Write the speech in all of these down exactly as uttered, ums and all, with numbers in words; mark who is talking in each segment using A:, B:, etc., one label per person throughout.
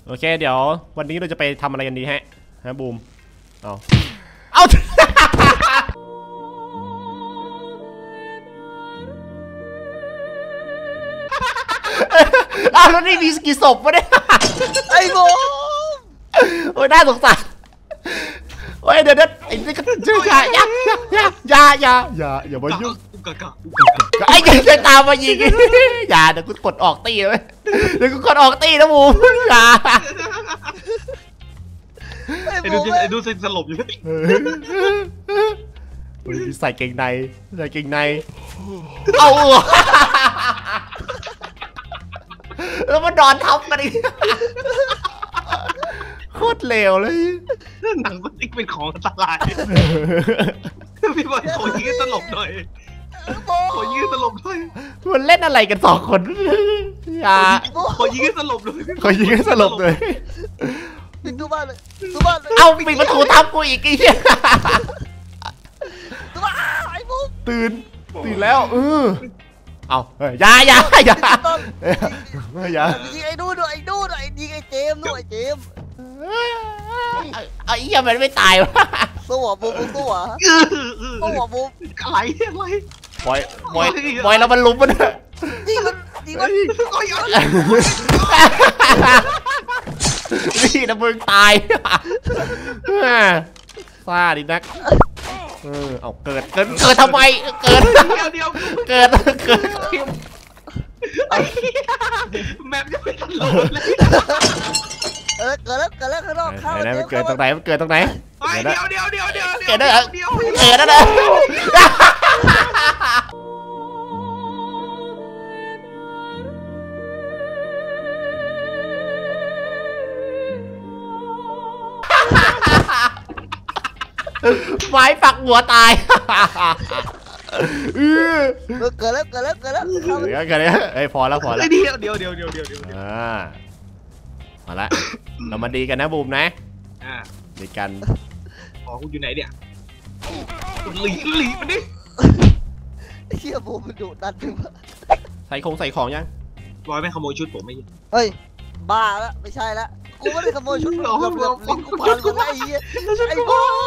A: โอเคเดี๋ยววันนี้เราจะไปทำอะไรกันดีฮะฮะบูมเอาเอาอ้าวแล้วนี่มีกี่ศพวะเนี่ย
B: ไอ้บูม
A: โอ้ยน่าสงสารโอ้ยเดี๋ยวเดี๋ยวไอ้นี่ก็ชื่ออย่าอย่าอย่าอย่าอย่าอย่ามายุ่งไอ้ยังจะตามมายิงอย่าเดี๋ยวกูกดออกตีเลยเดี๋ยวกูกดออกตีนะบูมอย่า
C: ไอ้ดูไอ้ดูสลบอยู่
A: ใส่เกงในใส่เกงในเอาแล้วมันนอนทับกันอีกโคตรเลวเลย
C: หนังมันติ๊กเป็นของอันตรายพี่บอลขอยืดสลบหน่อยขอยืดสลบหน่อย
A: มันเล่นอะไรกันสองคนอย่า
C: ขอยืดสลบเลย
A: ขอยืดสลบเลย
B: ปิดตู้บ้านเลยตู้บ้านเลย
A: เอาปิดประตูทับกูอีกไอ้เหี้ย
B: ตู้บ้านไอ้บูม
A: ตื่นตื่นแล้วเออเอาอย่าอย่าอย่าอย่า
B: ยิงไอ้ดูด้วยไอ้ดูด้วยยิงไอ้เจมด้วยไอ้เจม
A: ไอ้เหี้ยมันไม่ตายวะ
B: สู้อ่ะบูมสู้อ่ะสู้อ่ะบูม
C: อะไรอะไร
A: บอยบอยบอยแล้วมันลุมมัน
B: ยิงมันยิงมัน
A: นี่นะมึงตายซาดินักเออเอาเกิดเกิดเกิดทำไมเกิด
C: เดียว
A: เกิดเกิด
C: แมปจะเป็นตลกเลย
B: เออเกิดแล้วเกิดแล้วข้างนอกเข้า
A: ไหนมันเกิดตรงไหนมันเกิดตรงไหน
C: เดี๋ยวเดี๋ยวเดี๋ยวเดี๋ยว
A: เกิดได้เกิดได้เลยไม้ปักหัวตาย
B: เออเกิดแล้วเกิดแล้วเกิดแล้ว
A: เกิดแล้วเกิดแล้วเฮ้ยพอแล้วพอแล้ว
C: เดี๋ยวเดี๋ยวเดี๋ยวเดี๋ยวเดี๋ยวเดี๋ยว
A: อ่ามาละเรามาดีกันนะบูมนะ
C: อ่า
A: ดีกัน
C: อ๋อคุณอยู่ไหนเนี่ยหลีหลีมันดิ
B: เชี่ยบูมมันดุดันจังวะ
A: ใส่ของใส่ของยัง
C: บอยไม่ขโมยชุดผมไม่
B: เฮ้ยบ้าแล้วไม่ใช่ละกูไม่ได้ขโมยชุดหรอกลิ้นกูพันกูไอ้เหี้ยไอ้บูม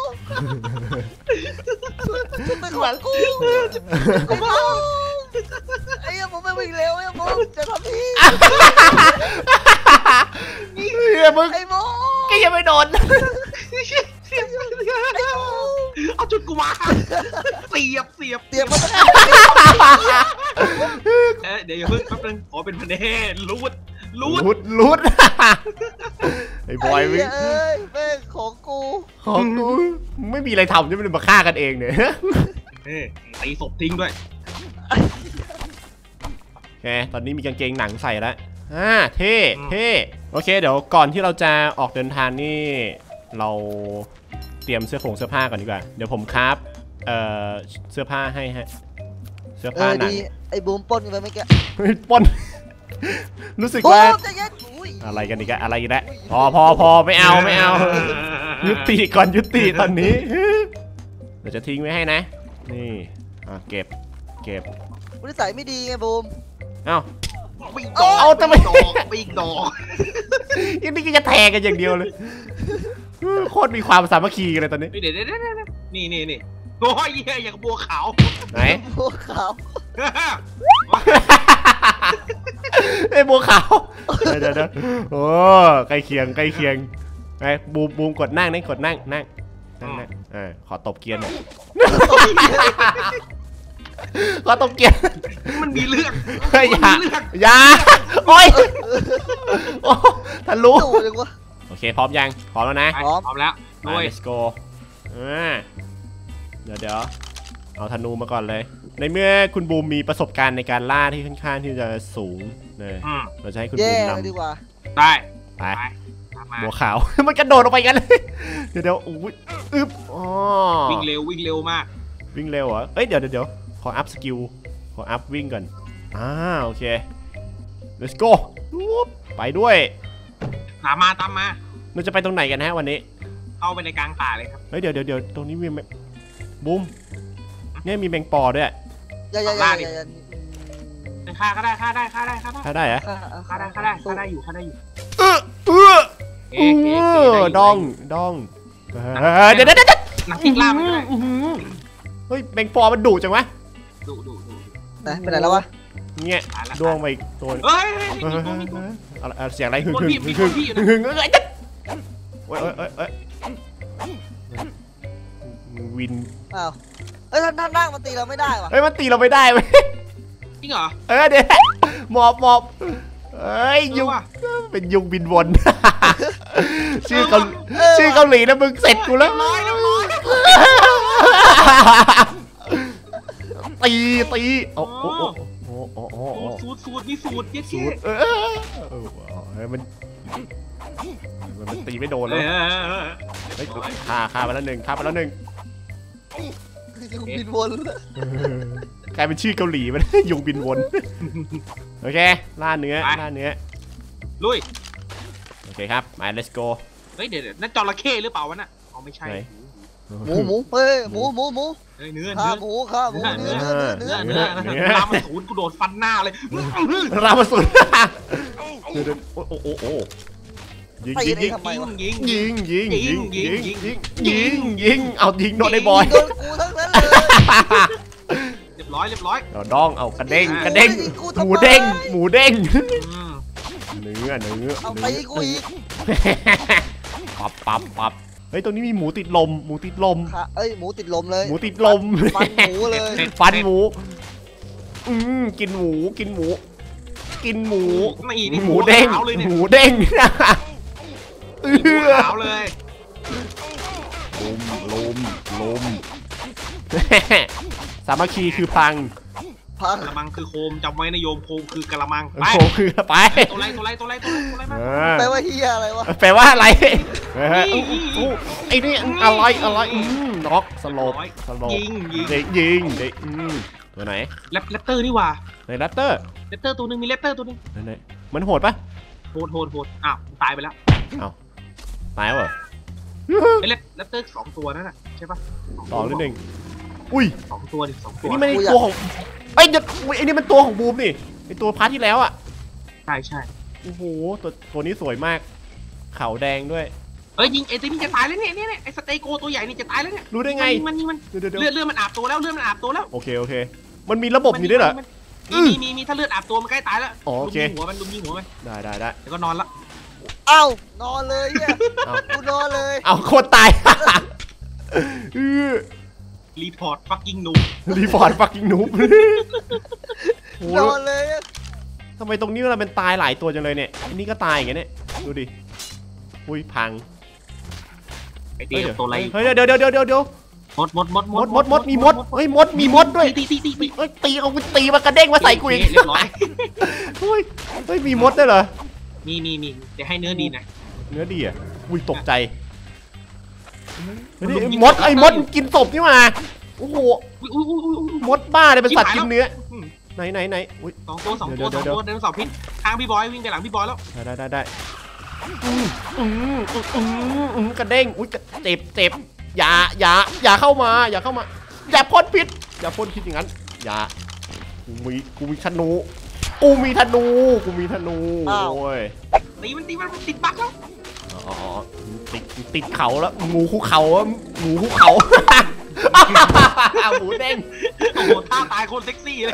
B: ชุดเป็นของกูไอ้บูมไอ้เหี้ยผมไม่วิ่งเร็วไอ้บูมจะทำพี่
A: เฮ้ยมึง
B: ไอ้บูม
A: ก็ยังไม่โดน
C: เอาจุดกูมาเสียบเสียบ
B: เสียบมัน
C: เอ๊ะเดี๋ยวอย่าเพิ่งแป๊บนึงขอเป็นพันเน่รูดรูด
A: รูดรูดไอ้บอย
B: มึงเอ้ยแม่ของกู
A: ของกูไม่มีอะไรทำจะมันมาฆ่ากันเองเนี่ย
C: เฮ้ยตีศพทิ้งด้วย
A: โอเคตอนนี้มีกางเกงหนังใส่แล้วอ่าเท่เท่โอเคเดี๋ยวก่อนที่เราจะออกเดินทางนี่เราเตรียมเสื้อผงเสื้อผ้าก่อนดีกว่าเดี๋ยวผมคราฟเอ่อเสื้อผ้าให้ฮะเสื้อผ้าหนัง
B: ไอ้บูมปนไปไหมแก
A: ปนรู้สึกว่าอะไรกันอีกอะไรกันแล้วพอพอพอไม่เอาไม่เอายุติก่อนยุติตอนนี้เดี๋ยวจะทิ้งไว้ให้นะนี่อ่ะเก็บเก็บ
B: นิสัยไม่ดีไงบูม
A: เอ้า
C: เอาทำไมปีกดอก
A: ยังนี่ก็จะแทงกันอย่างเดียวเลยโคตรมีความสามัคคีกันเลยตอนนี้
C: เดี๋ยวเดี๋ยวนี่นี่นี่โอ้ยอย่างบัวขาว
A: ไหน
B: บัวขาว
A: ไอ้บัวขาวเดี๋ยวเดี๋ยวโอ้ใกล้เคียงใกล้เคียงไอ้บูมบูมกดนั่งนั่งกดนั่งนั่งนั่งนั่งเออขอตบเกียร์หน่อยขอตบเกียร์
C: มันมีเรื่อง
A: อย่าอย่าโอ้ยโอ้ทะลุโอเคพร้อมยังพร้อมแล้วนะ
C: พร้อมแล้ว
A: มา let's go อ่าเดี๋ยวเดี๋ยวเอาธนูมาก่อนเลยในเมื่อคุณบูมมีประสบการณ์ในการล่าที่ค่อนข้างที่จะสูงเลยเราจะให้คุณบูมนำ
B: ดีกว่า
C: ได้
A: ไปบัวขาวมันกระโดดออกไปกันเลยเดี๋ยวเดี๋ยวอุ้ยอึ๊บอ๋อ
C: วิ่งเร็ววิ่งเร็วมาก
A: วิ่งเร็วเหรอเอ้ยเดี๋ยวเดี๋ยวขออัพสกิลขออัพวิ่งก่อนอ่าโอเค let's go ไปด้วย
C: ตามมาตามมา
A: เราจะไปตรงไหนกันฮะวันนี้
C: เข้าไปในกลางป่าเลยครับ
A: เฮ้ยเดี๋ยวเดี๋ยวเดี๋ยวตรงนี้มีบูมเนี่ยมีแมงปอด้วย
B: อย่าอย่าอย่าอย่
C: าฆ่าก็ได้ฆ่าได้ฆ่าได้ฆ่าได้
A: ฆ่าได้เหรอ
C: ฆ่าได้ฆ่าได้ฆ่าได้อยู่ฆ่าได้อยู่
A: เออเออ
C: เอ๊ะเอ๊ะเอ๊ะ
A: ดองดองเดี๋ยวเดี๋ยวเดี๋ยว
C: หนังพริกลาบมันด้วย
A: เฮ้ยแมงปอมันดุจังวะ
C: ดูดูดู
B: นะเป็นไรแล้ววะ
A: เนี่ยดวงไปอีกตัว
C: เฮ้ย
A: เสียงอะไรหึ่งหึ่งหึ่งหึ่งหึ่งเอ้ยโอ้ยโอ้ยโอ้ยโอ้ยวิน
B: อ้าวเอ้ยท่านท่านนั่งมันตีเราไม่ได้วะ
A: เฮ้ยมันตีเราไม่ได้เว้ย
C: จริงเหรอ
A: เออเดี๋ยวหมอบหมอบเอ้ยยุงเป็นยุงบินวนชื่อเกาชื่อเกาหลีนะมึงเสร็จกูแล้วตีตีโอ้โหโอ้โหโอ้โห
C: สูตรสูตรนี่สูตรเจ๊
A: สูตรเออเออมันมันตีไม่โดนเลยเฮ้ยฆ่าฆ่าไปแล้วหนึ่งฆ่าไปแล้วหนึ่ง
B: ยุงบินวน
A: กลายเป็นชื่อเกาหลีมันยุงบินวนโอเคล่าเนื้อล่าเนื้อ
C: ลุย
A: โอเคครับมา let's go
C: เฮ้ยเดี๋ยวนั่นจระเข้หรือเปล่าวะน่ะอ๋อไม่ใช่
B: หมูหมูเฮ้ยหมูหมูหมู
C: เฮ้ยเนื้อ
B: ข้า
C: เนื้อ
B: หมูข้าหมูเนื้อเนื้อ
C: เนื้
B: เนื้
C: อ
B: อ
C: เนื้อเนื้อรามาสูนกูโดดฟันหน้าเลย
A: รามาสุดโอ้โอ้โอ้โอ้ยิงยิงยิง
C: ยิงยิง
A: ยิงยิงยิงยิงยิงยิงยิงเอายิงโดนไอ้บอย
B: โดนกูทั้งนั้นเลย
C: เรียบร้อยเรียบร้อย
A: เราดองเอากระเด้งกระเด้งหมูเด้งหมูเด้งเนื้อเนื้อ
B: เอาตีกูอีก
A: ปับปับปับเฮ้ยตรงนี้มีหมูติดลมหมูติดลม
B: เอ้ยหมูติดลมเลย
A: หมูติดลม
B: ฟันหมูเลย
A: ฟันหมูอืมกินหมูกินหมู กินหมูหมูเด้งหมูเด้งเออ
C: ขาวเลย
A: ลมลมลมสามัคคีคือพัง
B: พัง
C: กระมังคือโคมจำไว้นะโยมโคมคือกระมังไป
A: โคคือไป
C: ตัวไรตัวไรตัวไรตัวไรตัวไรมา
B: แปลว่าเฮียอะไรวะ
A: แปลว่าอะไรไอ้นี่อะไรอะไรน็อกสลบสลบ
C: ยิงยิง
A: เด็กยิงเด็กตัวไหน
C: แรปเตอร์นี่ว่า
A: ไหนแรปเตอร์
C: แรปเตอร์ตัวนึงมีแรปเตอร์ตัวนึง
A: ไหนมันโหดปะ
C: โหดโหดโหดอ้าวตายไปแล้ว
A: ตายเหรอ
C: ไอ้แรปแรปเตอร์สองตัวนั่นน่ะใช่ปะ
A: สองนิดหนึ่งอุ้ย
C: สองตัวดิสองตัว
A: นี่มันตัวของไอ้เด็กไอ้นี่มันตัวของบูมนี่ไอ้ตัวพาร์ทที่แล้วอ่ะ
C: ใช่ใช่
A: โอ้โหตัวตัวนี้สวยมากเขาแดงด้วย
C: เอ้ยยิงไอ้ตัวนี้จะตายแล้วเนี่ยเนี่ยไอ้สเตโกตัวใหญ่นี่จะตายแล้วเนี่ย
A: รู้ได้ไง
C: มันนี่มัน
A: เดี๋ยวเดี๋ยว
C: เลือดเลือดมันอาบตัวแล้วเลือดมันอาบตัวแล้ว
A: โอเคโอเคมันมีระบบนี้ด้วยเหรอ
C: มีมีมีมีถ้าเลือดอาบตัวมันใกล้ตายแล้ว
A: โอเค
C: ลุมยิงหัวมันลุมยิงหัวมัน
A: ได้ได้ได้
C: แล้วก็นอนละ
B: เอ้านอนเลยเฮียกูนอนเลย
A: เอาโคตรตายอือ
C: รีพอร์ตฟักกิ้งนู
A: รีพอร์ตฟักกิ้งนูบโอ้
B: นอนเลย
A: ทำไมตรงนี้เราเป็นตายหลายตัวจังเลยเนี่ยอันนี้ก็ตายอย่างเงี้ยเนี่ยดูดิอุ้ยพัง
C: ไอเดียตัวอะไร
A: เฮ้ยเดี๋ยวเดี๋ยวเดี๋ยวเดี๋ยวเดี๋ยว
C: มดมดมด
A: มดมดมดมีมดเฮ้ยมดมีมดด้วย
C: ตีตีตีตี
A: เฮ้ยตีเอาตีมากระเด้งมาใส่กูอีก
C: เรียบร้อย
A: เฮ้ยเฮ้ยมีมดด้วยเหรอ
C: มีมีมีจะให้เนื้อดีนะ
A: เนื้อดีอ่ะอุ้ยตกใจมดไอ้มดกินศพนี่มาโอ้โห
C: อุ้ยอุ้ยอุ้ยอุ้ย
A: มดบ้าเลยเป็นสัตว์กินเนื้อไหนไหนไหนอุ้ย
C: สองตัวสองตัวสองตัวเดินสองพิษทางพี่บอยวิ่งไปหลังพี่บอยแล้ว
A: ได้ได้ได้อืมอืมอืมอืมอืมกระเด้งอุ้ยเจ็บเจ็บอย่าอย่าอย่าเข้ามาอย่าเข้ามาอย่าพ่นพิษอย่าพ่นพิษอย่างนั้นอย่ากูมีกูมีธนูกูมีธนูกูมีธนูโอ้ย
C: ตีมันตีมันติดบั๊กแล้ว
A: อ๋อติดติดเขาแล้วงูคุกเขาหมูคุกเขาหมูเด้ง
C: โอ้โหท่าตายคนเซ็กซี่เลย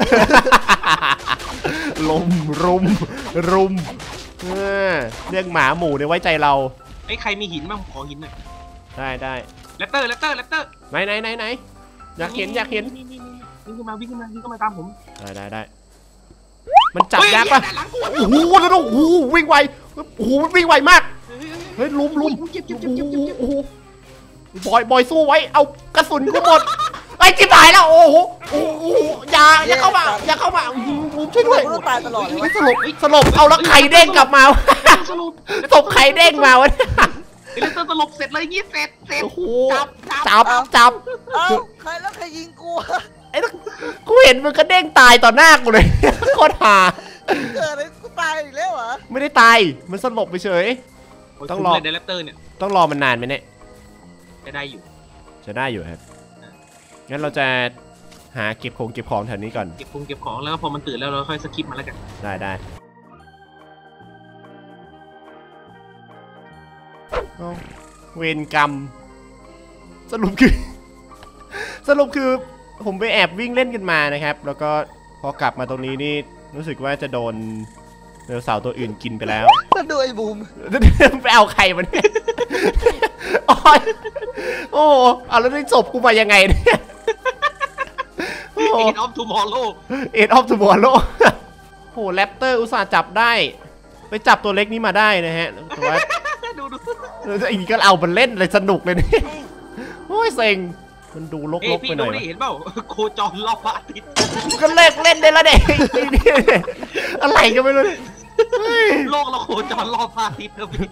A: ลมรุมรุมเรื่องหมาหมูเนี่ยไว้ใจเรา
C: ไอ้ใครมีหินบ้างขอหินหน่อย
A: ได้ได้
C: แรปเตอร์แรปเตอร์แรปเตอร์
A: ไหนไหนไหนไหนอยากเห็นอยากเห็น
C: วิ่งขึ้นมาวิ่งขึ้นมาวิ่งขึ้นมาตามผม
A: ได้ได้ได้มันจับยากปะโอ้โหแล้วโอ้โหวิ่งไวโอ้โหวิ่งไวมากเฮ้ยลุมลุมโอ้โหบอยบอยสู้ไว้เอากระสุนกูหมดไอ้จิ๋มหายแล้วโอ้โหโอ้โหอย่าอย่าเข้ามาอย่าเข้ามาลุมช่วยด้วย
B: กูต้องตายตลอดเลย
A: สลบสลบเอาแล้วไข่เด้งกลับมา
C: สรุป
A: ศพไข่เด้งมาวะ
C: ไอ้เลเตอร์สลบเสร็จเลยยี่เสร็จเสร็จ
A: โอ้โห
C: จับ
A: จับจับ
B: เอ้าใครแล้วใครยิงกู
A: ไอ้กูเห็นมันก็เด้งตายต่อหน้ากูเลยโคตรฮา
B: เกิดอะไรกูตายอีกแล้วเหรอ
A: ไม่ได้ตายมันสลบไปเฉย ต้องรอ
C: เดลเตอร์เนี่ย
A: ต้องรอมันนานไหมเนี่ย
C: จะได้อยู่
A: จะได้อยู่ครับงั้นเราจะหาเก็บของเก็บของแถวนี้ก่อน
C: เก็บคงเก็บของแล้วพอมันตื่นแล้วเราค่อยสคิปมาแล้วกัน
A: ได้ได้เวรกรรมสรุปคือสรุปคือผมไปแอบวิ่งเล่นกันมานะครับ แล้วก็พอกลับมาตรงนี้นี่รู้สึกว่าจะโดนไดโนเสาร์ตัวอื่นกินไปแล้ว
B: แล้วดูไอ้บูม
A: ไปเอาใครมันเนี่ยโอ้ยโอ้เอาแล้วได้ศพกูมายังไงเนี่ยเอ็
C: ดออฟทูมอร์โล
A: เอ็ดออฟทูมอร์โลโอ้แรปเตอร์อุตส่าห์จับได้ไปจับตัวเล็กนี้มาได้นะฮะแต่ว่า
C: ดูดู
A: ไอ้นี่ก็เอามันเล่นเลยสนุกเลยนี่โอ้ยเซ็งมันดูลกๆไปหน่อย
C: เห็นเปล่าโคจรรอบพระอาทิตย์
A: ก็เลิกเล่นได้แล้วเด็กอะไรก็ไม่รู้
C: โลกเราโคจรรอบพระอาทิตย์นะพี่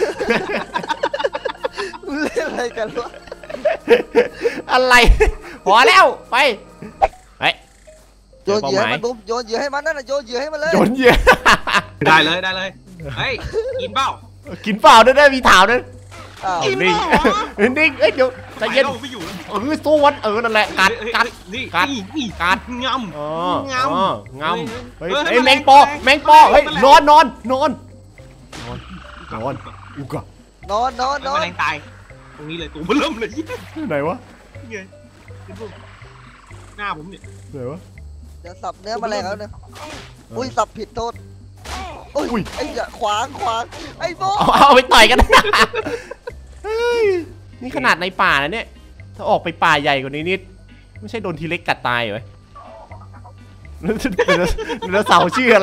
B: เล่นอะไรกันวะ
A: อะไรพอแล้วไปไป
B: โยนเหยื่อให้มันบูมโยนเหยื่อให้มันนั่นน่ะโยนเหยื่อให้มันเลย
A: โยนเหยื่อ
C: ได้เลยได้เลยเฮ้ยกินเปล่า
A: กินเปล่าด้วยได้มีถาวด้วย
C: กินเปล่า
A: นิ่งเอ้ยเดี๋ยวใจเย็น
C: ไม่อยู่
A: เออสู้วันเออนั่นแหละกัดกัดกัดกัด
C: งำ
A: อ๋องำงำเฮ้ยไอ้แมงปอแมงปอเฮ้ยนอนนอนนอนนอนนอนอุกะ
B: นอนนอนนอน
C: แมลงตายตรงนี้เลยตัวมันเริ่มเลย
A: ไหนวะ
C: ไงหน้าผมเนี่ย
A: ไหนวะ
B: เดี๋ยวสับเนื้อแมลงแล้วเนี่ยอุ้ยสับผิดโทษอุ้ยไอ้อย่าขวางขวางไอ้โบ
A: เอาไปต่อยกันนี่ขนาดในป่านะเนี่ยถ้าออกไปป่าใหญ่กว่านี้นิดไม่ใช่โดนทีเล็กกัดตายเหรอแล้วเสาชื่ออะไร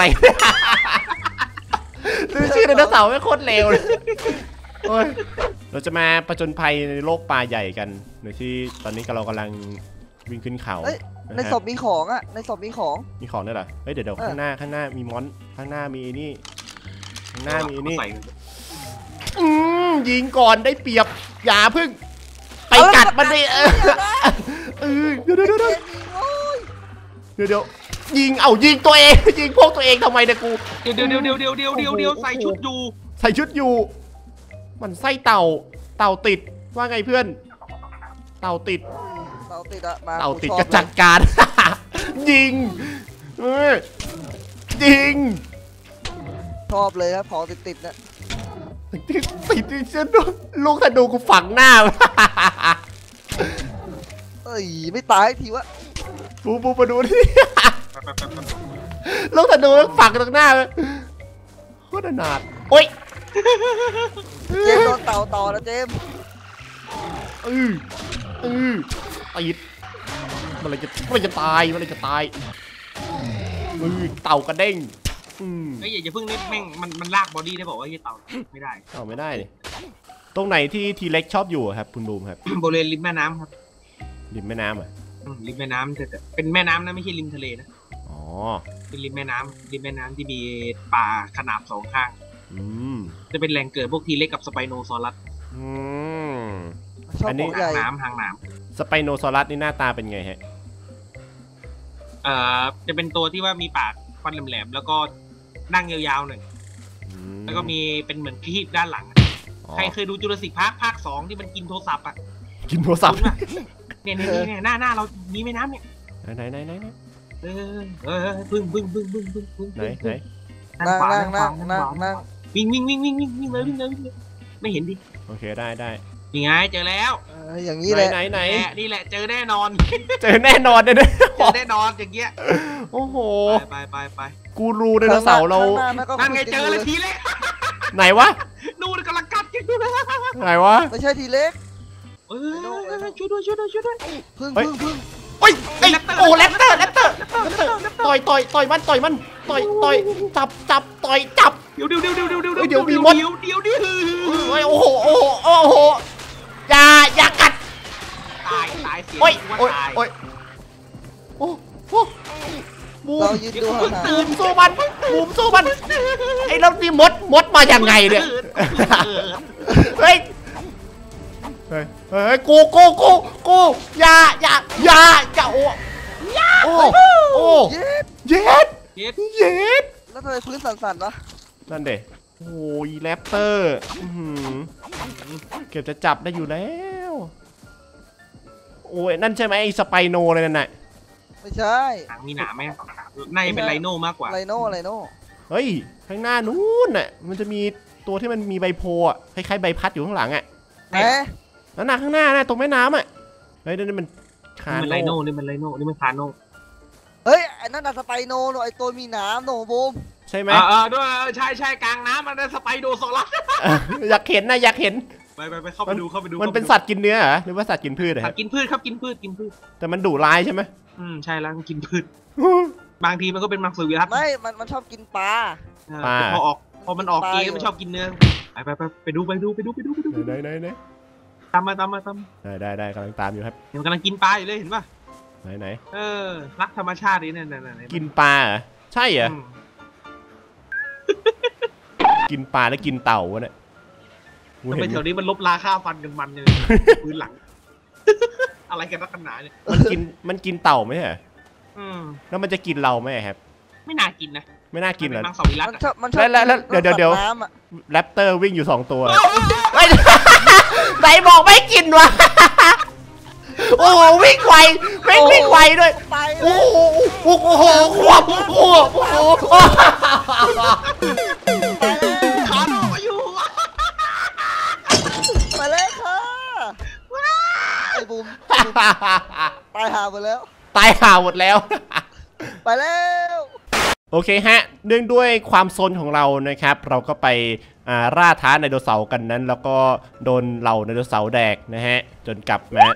A: ชื่อไดโนเสาร์ไม่โคตรเลวเลยเราจะมาประจนภัยในโลกป่าใหญ่กันโดยที่ตอนนี้เรากำลังวิ่งขึ้นเขา
B: ในศพมีของอ่ะในศพมีของ
A: มีของด้วยเหรอเฮ้ยเดี๋ยวเดี๋ยวข้างหน้าข้างหน้ามีมอนข้างหน้ามีนี่ข้างหน้ามีนี่อืมยิงก่อนได้เปรียบอย่าพึ่งไปกัดมันดิเออเออเดี๋ยวเดี๋ยวเดี๋ยวเดี๋ยวเดี๋ยวยิงเอายิงตัวเองยิงพวกตัวเองทำไมเนี่ยกู
C: เดี๋ยวเดี๋ยวเดี๋ยวเดี๋ยวเดี๋ยวเดี๋ยวเดี๋ยวใส่ชุดอยู่
A: ใส่ชุดอยู่มันไส้เต่าเต่าติดว่าไงเพื่อนเต่าติด
B: เต่าติดอะมา
A: เต่าติดก็จัดการยิงเออยิง
B: ชอบเลยครับของติดติดนะ
A: ติดติดติดฉันลูกธนูกูฝังหน้า
B: เอ้ยไม่ตายทีวะ
A: ปูปูมาดูดิลูกธนูฝังตรงหน้าเลยโคตรหนาดโอ้ย
B: เจมโดนเต่าต่อแล้วเจม
A: อืออือติดมันเลยจะมันจะตายมันเลยจะตายอือเต่ากระเด้ง
C: ไอ้อย่าเพิ่งนี่แม่งมันมันลากบอดี้ได้บอกว่าที่เต่าไม่ได้
A: เต่าไม่ได้เลยตรงไหนที่ทีเล็กชอบอยู่ครับคุณบูมครับ
C: บริเวณริมแม่น้ำครับ
A: ริมแม่น้ำอ่ะ
C: ริมแม่น้ำแต่เป็นแม่น้ำนะไม่ใช่ริมทะเลนะ
A: อ๋อ
C: เป็นริมแม่น้ำริมแม่น้ำที่มีป่าขนาบสองข้างจะเป็นแหล่งเกิดพวกทีเล็กกับสไปโนซอรัส
B: อันนี้
C: หางน้ำหางน้
A: ำสไปโนซอรัสนี่หน้าตาเป็นไงฮะ
C: เอ่อจะเป็นตัวที่ว่ามีปากฟันแหลมๆแล้วก็นั่งยาวๆหน่อยแล้วก็มีเป็นเหมือนคลีปด้านหลังใครเคยดูจุลศิษย์พาร์คภาคสองที่มันกินโทรศัพท์อ่ะ
A: กินโทรศัพท์
C: เนี่ยเนี่ยเนี่ยหน้าหน้าเรามีแม่น้ำเนี่ย
A: ไหนไหนไหน
C: เออเออบึ้งบึ้งบึ้งบึ้งบึ้งบึ้ง
A: ไหนไหน
B: นั่งนั่งนั่งนั่งนั่ง
C: วิ่งวิ่งวิ่งวิ่งวิ่งวิ่งเลยวิ่งเลยวิ่งเลยไม่เห็นดิ
A: โอเคได้ได้
C: ยังไงเจอแล้ว
B: อย่างนี้เลย
A: ไหนไหน
C: นี่แหละเจอแน่นอน
A: เจอแน่นอนเลยนะ
C: เจอแน่นอนอย่างเงี้ย
A: โอ้โห
C: ไปไปไป
A: กูรู้ไดโนเสาร์เรา
C: นั่นไงเจอเลยทีเล็ก
A: ไหนวะ
C: นู่นกำลังกัดกันอยู่
A: ไหนวะ
B: ไม่ใช่ทีเล็ก
C: เออช่วยด้วยช่วยด้วยช่วยด้วย
B: พึ่งพึ่งพึ่ง
A: โอ้ยไอ้โอ้แรปเตอร์แรปเตอร์ต่อยต่อยต่อยมันต่อยมันต่อยต่อยจับจับต่อยจับ
C: เดี๋ยวเดี๋ยวเดี๋ยวเดี๋ยวเดี๋ยว
A: เดี๋ยวมีมด
C: เดี๋ยวเดี๋ยวเดี๋ยว
A: โอ้ยโอ้โหโอ้โหโอ้โหอย่าอย่ากัด
C: ตายตายเสีย
A: โอ้ยโอ้ยโอ้ยโอ้โหบูมบูมสู้มันบูมสู้มันไอ้เรานี่มดมดมาอย่างไงเนี่ยเฮ้ยเฮ้ยเฮ้ยกูกูกูกูอย่าอย่าอย่าอย่าโอ้โอ้โอ้เย็ดเย็ดเย็ดเย็ด
B: แล้วทำไมพื้นสั่นๆวะ
A: นั่นเด็โอ้ยแรปเตอร์เก็บจะจับได้อยู่แล้วโอ้ยนั่นใช่ไหมไอ้สไปโนเลยนั่นน่ะ
B: ไม่ใช่
C: มีหนามไหมน่าจะเป็นไลโน่มากกว่า
B: ไลโน่ไลโน่
A: เฮ้ยข้างหน้านู้นน่ะมันจะมีตัวที่มันมีใบโพอ่ะคล้ายๆใบพัดอยู่ข้างหลังอ่ะ
B: เอ๊ะ
A: นั่นน่ะข้างหน้าน่ะตรงแม่น้ำอ่ะเฮ้ยนี่มันคา
C: นี่มัน
A: โน่
C: ไลโน่นี่มันไลโน่นี่มันคาโน่
B: เฮ้ยไอ้นั่นน่ะสไปโนโนไอ้ตัวมีน้ำโนบูม
A: ใช่ไหม
C: เออเออด้วยใช่ใช่กลางน้ำมันเป็นสไปโดซอรัส
A: อยากเห็นนะอยากเห็น
C: ไปไปไปเข้าไปดูเข้าไปดู
A: มันเป็นสัตว์กินเนื้อเหรอหรือว่าสัตว์กินพืชเหรอ
C: สัตว์กินพืชครับกินพืชกินพืช
A: แต่มันดุร้ายใช่ไหม
C: อืมใช่แล้วมันกินพืชบางทีมันก็เป็นมังสวิรัติ
B: ไม่มันมันชอบกินปลา
C: แต่พอออกพอมันออกเกมมันชอบกินเนื้อไปไปไปไปดูไปดูไปดูไปดูไปดู
A: ไหนไหนไหน
C: ตามมาตามมาตาม
A: ได้ได้ได้กำลังตามอยู่ครับ
C: เดี๋ยวมันกำลังกินปลาอยู่เลยเห็นป่ะ
A: ไหนไหน
C: เออรักธรรมชาตินี่เนี่ยเนี่ยเนี่ย
A: กินปลาเหรอใช่เหรอกินปลาแล้วกินเต่าวะเนี่ย
C: ทำไมแถวนี้มันลบราค่าฟันกันมันเลยพื้นหลังอะไรกันนักกันหนาเนี่ย
A: มันกินมันกินเต่าไหมเหรอ
C: อืม
A: แล้วมันจะกินเราไหมครับ
C: ไม่น่ากินนะ
A: ไม่น่ากินเหรอ
C: มังสวิรัติ
B: มันชอบมันชอบ
A: แล้วแล้วเดี๋ยวเดี๋ยวเดี๋ยว
B: น้ำอะ
A: แรปเตอร์วิ่งอยู่สองตัวเฮ้ยไหนบอกไม่กินวะโอ้โหวิ่งไววิ่งวิ่งไวด้วย
B: ไปเล
A: โอ้
B: ย
A: โหโอ้โหควบโอ้โหโอ้โห
C: ขาโดมาอยู่
B: ไปเลยค่ะไอ้บูมตายหาหมดแล้ว
A: ตายห่าหมดแล้ว
B: ไปแล้ว
A: โอเคฮะเนื่องด้วยความซนของเรานะครับเราก็ไปล่าท้าไดโนเสาร์กันนั้นแล้วก็โดนเหล่าไดโนเสาร์แดกนะฮะจนกลับมา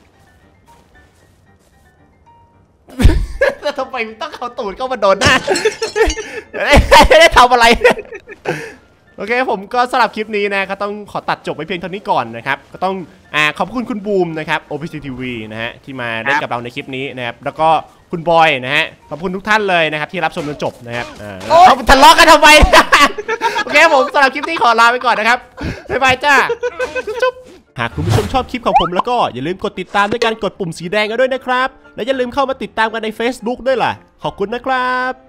A: แล้วทำไมต้องเอาตูดเข้ามาโดนหน้าไม่ได้ทำอะไรโอเคผมก็สำหรับคลิปนี้นะก็ต้องขอตัดจบไว้เพียงเท่านี้ก่อนนะครับก็ต้องอ่าขอบคุณคุณบูมนะครับ โอ พี ซี ที วี นะฮะที่มาเล่นกับเราในคลิปนี้นะครับแล้วก็คุณบอยนะฮะขอบคุณทุกท่านเลยนะครับที่รับชมจนจบนะครับอ่าเขาทะเลาะกันทำไม โอเคผมสำหรับคลิปนี้ขอลาไปก่อนนะครับบ๊ายบายจ้าจุ๊บหากคุณผู้ชมชอบคลิปของผมแล้วก็อย่าลืมกดติดตามด้วยการกดปุ่มสีแดงกันด้วยนะครับและอย่าลืมเข้ามาติดตามกันใน Facebook ด้วยล่ะขอบคุณนะครับ